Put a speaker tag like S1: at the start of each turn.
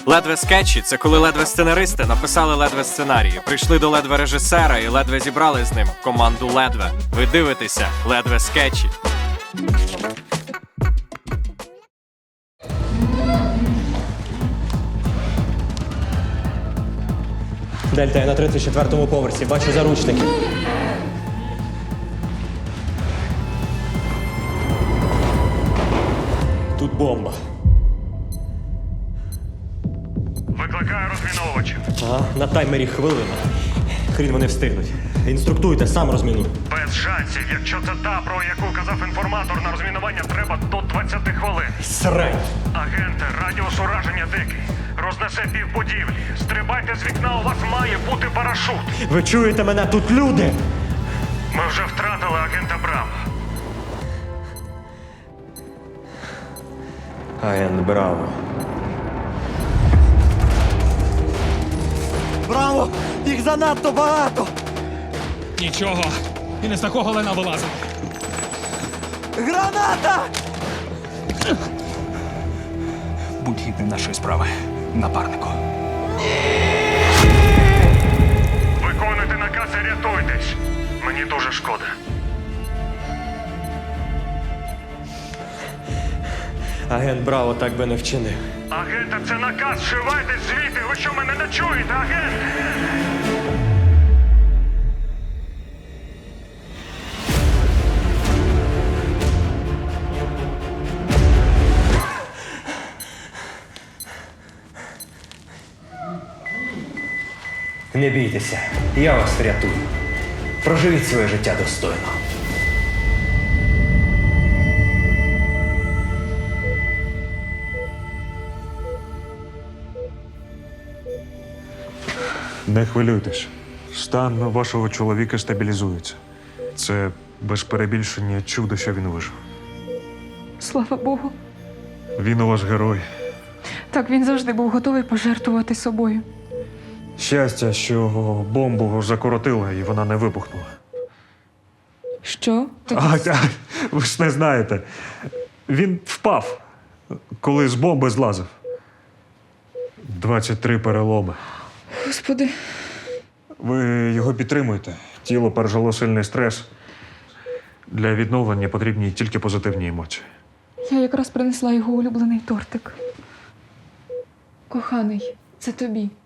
S1: Ледве скетчі – це коли ледве сценаристи написали ледве сценарії, прийшли до ледве режисера і ледве зібрали з ним команду ледве. Ви дивитеся ледве скетчі.
S2: Дельта, я на 34-му поверсі. Бачу заручники. Тут бомба.
S3: Викликаю розміновувачів.
S2: Ага, на таймері хвилина. Хрін вони встигнуть. Інструктуйте, сам розміну.
S3: Без шансів. Якщо це та, про яку казав інформатор, на розмінування треба до 20 хвилин.
S2: Срань!
S3: Агенте, радіус ураження дикий. Рознесе півбудівлі. Стрибайте з вікна, у вас має бути парашут.
S2: Ви чуєте мене? Тут люди!
S3: Ми вже втратили агента Браво.
S2: Агент Браво.
S4: Браво! Їх занадто багато!
S5: Нічого. І не з такого лена вилазить.
S4: Граната!
S5: Будь гідним нашої справи, напарнику.
S3: Виконуйте наказ і рятуйтесь. Мені дуже шкода.
S2: Агент Браво так би не вчинив.
S3: Агенте, це наказ. Шивайтесь звідти. Ви що, мене не чуєте, агент?
S2: Не бійтеся, я вас врятую. Проживіть своє життя достойно.
S6: Не хвилюйтесь. Стан вашого чоловіка стабілізується. Це без перебільшення чудо, що він вижив.
S7: Слава Богу.
S6: Він у вас герой.
S7: Так, він завжди був готовий пожертвувати собою.
S6: Щастя, що бомбу закоротило і вона не вибухнула.
S7: Що?
S6: Ви ж не знаєте. Він впав, коли з бомби злазив. 23 переломи.
S7: Господи.
S6: Ви його підтримуєте. Тіло пережило сильний стрес. Для відновлення потрібні тільки позитивні емоції.
S7: Я якраз принесла його улюблений тортик. Коханий, це тобі.